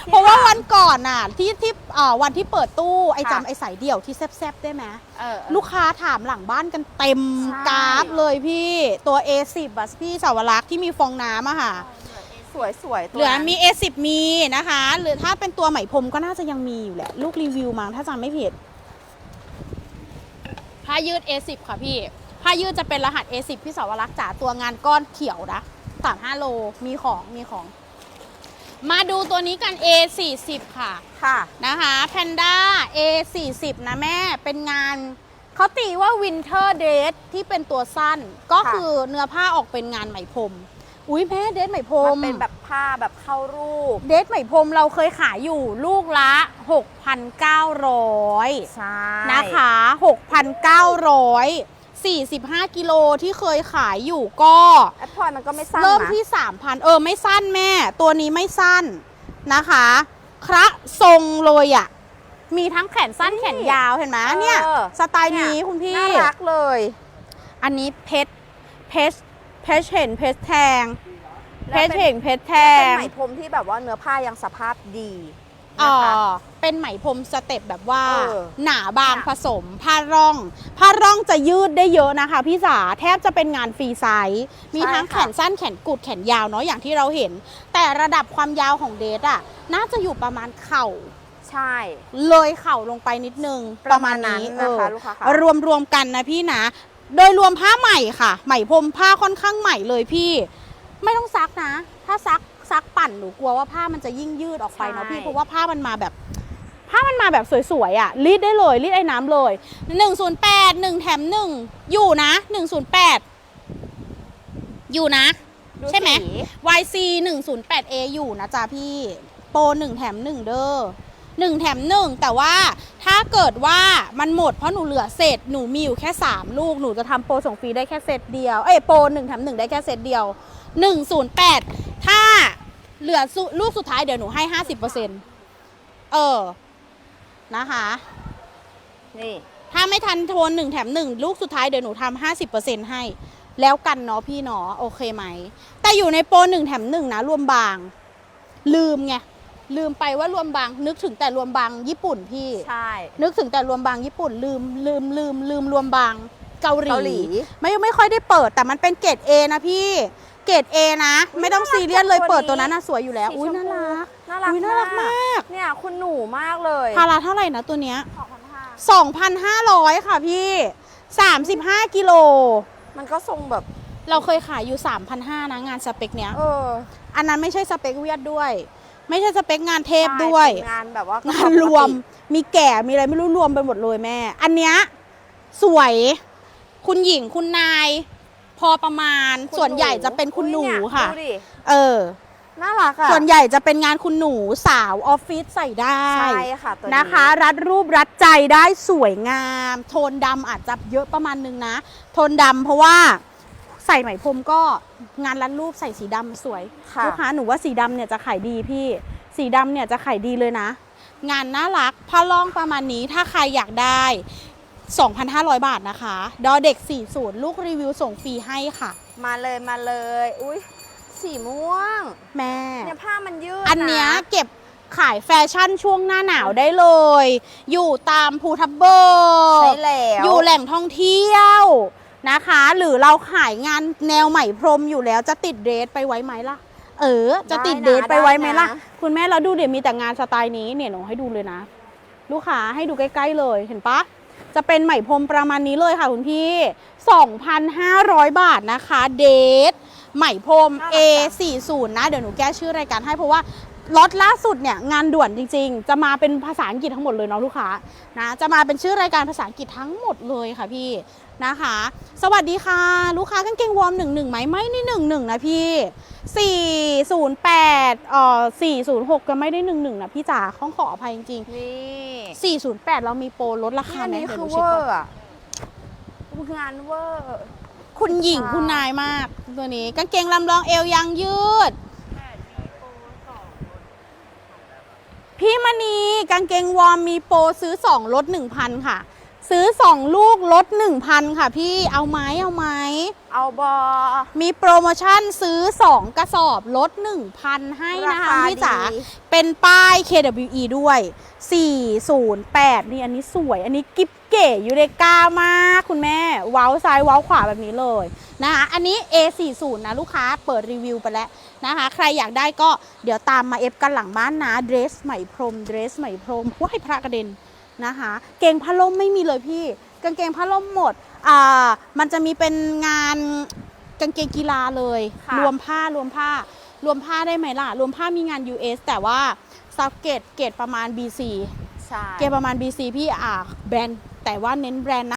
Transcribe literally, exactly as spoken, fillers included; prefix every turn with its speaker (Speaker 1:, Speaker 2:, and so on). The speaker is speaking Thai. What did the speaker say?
Speaker 1: เพราะว่าวันก่อนน่ะที่ที่วันที่เปิดตู้ไอ้จำไอ้สายเดี่ยวที่แซบๆได้ไหมลูกค้าถามหลังบ้านกันเต็มกราฟเลยพี่ตัว เอ สิบ อ่ะพี่สาวรักษ์ที่มีฟองน้ำอะค่ะ
Speaker 2: สวยสวย
Speaker 1: เหลือมี เอ สิบ มีนะคะหรือถ้าเป็นตัวไหมพรมก็น่าจะยังมีอยู่แหละลูกรีวิวมั้งถ้าจำไม่ผิดผ้ายืด เอ สิบ ค่ะพี่ผ้ายืดจะเป็นรหัส เอ สิบ พี่สาวรักษ์จ๋าตัวงานก้อนเขียวนะสามสิบห้าโลมีของมีของมาดูตัวนี้กัน เอ สี่สิบ ค่ะ
Speaker 2: ค่ะ
Speaker 1: นะคะแพนด้า เอ สี่สิบ นะแม่เป็นงานเขาตีว่า Winter Dress ที่เป็นตัวสั้นก็คือเนื้อผ้าออกเป็นงานไหมพรมอุ้ยแม่เดรสไหมพรม
Speaker 2: มันเป็นแบบผ้าแบบเข้ารูป
Speaker 1: เดรสไหมพรมเราเคยขายอยู่ลูกละ หกพันเก้าร้อย
Speaker 2: ใช่
Speaker 1: นะคะ หกพันเก้าร้อย สี่สิบห้ากิโลที่เคยขายอยู่ก็
Speaker 2: แอปพลอยมันก็ไม่สั้น
Speaker 1: เริ่มที่ สามพัน เออไม่สั้นแม่ตัวนี้ไม่สั้นนะคะคระทรงเลยอ่ะมีทั้งแขนสั้นแขนยาวเห็นไหมเนี่ยสไตล์นี้คุณพี่
Speaker 2: น่ารักเลย
Speaker 1: อันนี้เพชรเพชรเพชรเห็นเพชรแทงเพชรเห็นเพชรแทง
Speaker 2: เป็นไหมพรมที่แบบว่าเนื้อผ้ายังสภาพดี
Speaker 1: อ๋อเป็นไหมพรมสเต็ปแบบว่าหนาบางผสมผ้าร่องผ้าร่องจะยืดได้เยอะนะคะพี่สาแทบจะเป็นงานฟรีไซส์มีทั้งแขนสั้นแขนกุดแขนยาวเนาะอย่างที่เราเห็นแต่ระดับความยาวของเดทอ่ะน่าจะอยู่ประมาณเข่า
Speaker 2: ใช่
Speaker 1: เลยเข่าลงไปนิดนึงประมาณนี้นะคะลูกค้ารวมรวมกันนะพี่นะโดยรวมผ้าใหม่ค่ะไหมพรมผ้าค่อนข้างใหม่เลยพี่ไม่ต้องซักนะถ้าซักซักปั่นหนูกลัวว่าผ้ามันจะยิ่งยืดออกไปเนาะพี่เพราะว่าผ้ามันมาแบบผ้ามันมาแบบสวยๆอ่ะรีดได้เลยรีดไอ้น้ำเลยหนึ่งศูนย์แปด หนึ่งแถมหนึ่งอยู่นะหนึ่งศูนย์แปดอยู่นะใช่ไหม วาย ซี หนึ่งศูนย์แปด เอ อยู่นะจ๊ะพี่โปรหนึ่งแถมหนึ่งเด้อหนึ่งแถมหนึ่งแต่ว่าถ้าเกิดว่ามันหมดเพราะหนูเหลือเศษหนูมีอยู่แค่สามลูกหนูจะทำโปรส่งฟรีได้แค่เซตเดียวเอ้ยโปรหนึ่งแถมหนึ่งได้แค่เซตเดียวหนึ่งศูนย์แปดถ้าเหลือลูกสุดท้ายเดี๋ยวหนูให้ ห้าสิบเปอร์เซ็นต์ เออนะคะ
Speaker 2: นี่
Speaker 1: ถ้าไม่ทันโทนหนึ่งแถมหนึ่งลูกสุดท้ายเดี๋ยวหนูทำ ห้าสิบเปอร์เซ็นต์ ให้แล้วกันเนาะพี่เนาะโอเคไหมแต่อยู่ในโปรหนึ่งแถมหนึ่งนะรวมบางลืมไงลืมไปว่ารวมบางนึกถึงแต่รวมบางญี่ปุ่นพี่
Speaker 2: ใช่
Speaker 1: นึกถึงแต่รวมบางญี่ปุ่นลืมลืมลืมลืมรวมบางเกาหลีไม่ไม่ค่อยได้เปิดแต่มันเป็นเกรด A นะพี่เกรด A นะไม่ต้องซีเรียสเลยเปิดตัวนั้นน่ะสวยอยู่แล้วอุ้ยน่ารัก
Speaker 2: น่ารัก
Speaker 1: น่ารักมาก
Speaker 2: เนี่ยคุณหนูมากเลย
Speaker 1: พาราเท่าไหร่นะตัวเนี้ย สองพันห้าร้อย ค่ะพี่สามสิบห้ากิโล
Speaker 2: มันก็ทรงแบบ
Speaker 1: เราเคยขายอยู่ สามพันห้าร้อย นะงานสเปคเนี้ย
Speaker 2: เออ
Speaker 1: อันนั้นไม่ใช่สเปคเวียดด้วยไม่ใช่สเปคงานเทพด้วย
Speaker 2: งานแบบว่าง
Speaker 1: านรวมมีแก่มีอะไรไม่รู้รวมไปหมดเลยแม่อันเนี้ยสวยคุณหญิงคุณนายพอประมาณส่วนใหญ่จะเป็นคุณหนูค่ะเออ
Speaker 2: น่ารักอ่ะ
Speaker 1: ส่วนใหญ่จะเป็นงานคุณหนูสาวออฟฟิศใส่ได้
Speaker 2: ใช่ค่ะตัวนี้
Speaker 1: นะคะรัดรูปรัดใจได้สวยงามโทนดำอาจจะเยอะประมาณนึงนะโทนดำเพราะว่าใส่ไหมพรมก็งานรัดรูปใส่สีดำสวยลูกค้าหนูว่าสีดำเนี่ยจะขายดีพี่สีดำเนี่ยจะขายดีเลยนะงานน่ารักผ้าล่องประมาณนี้ถ้าใครอยากได้ สองพันห้าร้อย บาทนะคะดอเด็กสี่สิบลูกรีวิวส่งฟรีให้ค่ะ
Speaker 2: มาเลยมาเลยอุ้ยสีม่วง
Speaker 1: แม่
Speaker 2: เนี่ยผ้ามันยืด
Speaker 1: อันเนี้ยเก็บขายแฟชั่นช่วงหน้าหนาวได้เลย อยู่ตามภูทับเบิก
Speaker 2: ใช่แล้ว
Speaker 1: อยู่แหล่งท่องเที่ยวนะคะหรือเราขายงานแนวไหมพรมอยู่แล้วจะติดเดรสไปไว้ไหมล่ะเออจะติดเดรสไปไว้ไหมล่ะคุณแม่เราดูเดี๋ยวมีแต่งานสไตล์นี้เนี่ยหนูให้ดูเลยนะลูกค้าให้ดูใกล้ๆเลยเห็นปะจะเป็นไหมพรมประมาณนี้เลยค่ะคุณพี่ สองพันห้าร้อย บาทนะคะเดทไหมพรม เอ สี่สิบ นะเดี๋ยวหนูแก้ชื่อรายการให้เพราะว่าล็อตล่าสุดเนี่ยงานด่วนจริงๆจะมาเป็นภาษาอังกฤษทั้งหมดเลยเนาะลูกค้านะจะมาเป็นชื่อรายการภาษาอังกฤษทั้งหมดเลยค่ะพี่นะคะสวัสดีค่ะลูกค้ากางเกงวอร์มหนึ่งหนึ่งไหมไม่นี่หนึ่งหนึ่งนะพี่สี่ศูนย์แปดเอ่อสี่ศูนย์หกก็ไม่ได้หนึ่งหนึ่งนะพี่จ๋าข้องขออภัยจริงๆนี่สี่ศูนย์แปดเรามีโปรลดราคาไหม
Speaker 2: นี่คือเวอร์อะงานเวอร์
Speaker 1: คุณหญิงคุณนายมากตัวนี้กางเกงลำลองเอวยางยืดพี่มณีกางเกงวอร์มมีโปรซื้อสองลด หนึ่งพัน ค่ะซื้อสองลูกลด หนึ่งพัน ค่ะพี่เอาไหมเอาไหม
Speaker 2: เอาบอ
Speaker 1: มีโปรโมชั่นซื้อสองกระสอบลด หนึ่งพัน ให้นะคะพี่จ๋าเป็นป้าย เค ดับเบิลยู อี ด้วย สี่ศูนย์แปด นี่อันนี้สวยอันนี้กิ๊บเก๋ยูเรกามากคุณแม่เว้าซ้ายเว้าขวาแบบนี้เลยนะคะอันนี้ เอ สี่สิบ นะลูกค้าเปิดรีวิวไปแล้วนะคะใครอยากได้ก็เดี๋ยวตามมาเอฟกันหลังบ้านนะเดรสไหมพรมเดรสไหมพรมว้ายพระกระเด็นนะคะเกงผ้าล่มไม่มีเลยพี่กางเกงผ้าล่มหมดอ่ามันจะมีเป็นงานกางเกงกีฬาเลยรวมผ้ารวมผ้ารวมผ้าได้ไหมล่ะรวมผ้ามีงาน ยู เอส แต่ว่าซับเกตเกตประมาณ บี ซี
Speaker 2: ใช่
Speaker 1: เกตประมาณ บี ซี พี่อ่าแบรนด์แต่ว่าเน้นแบรนด์นะ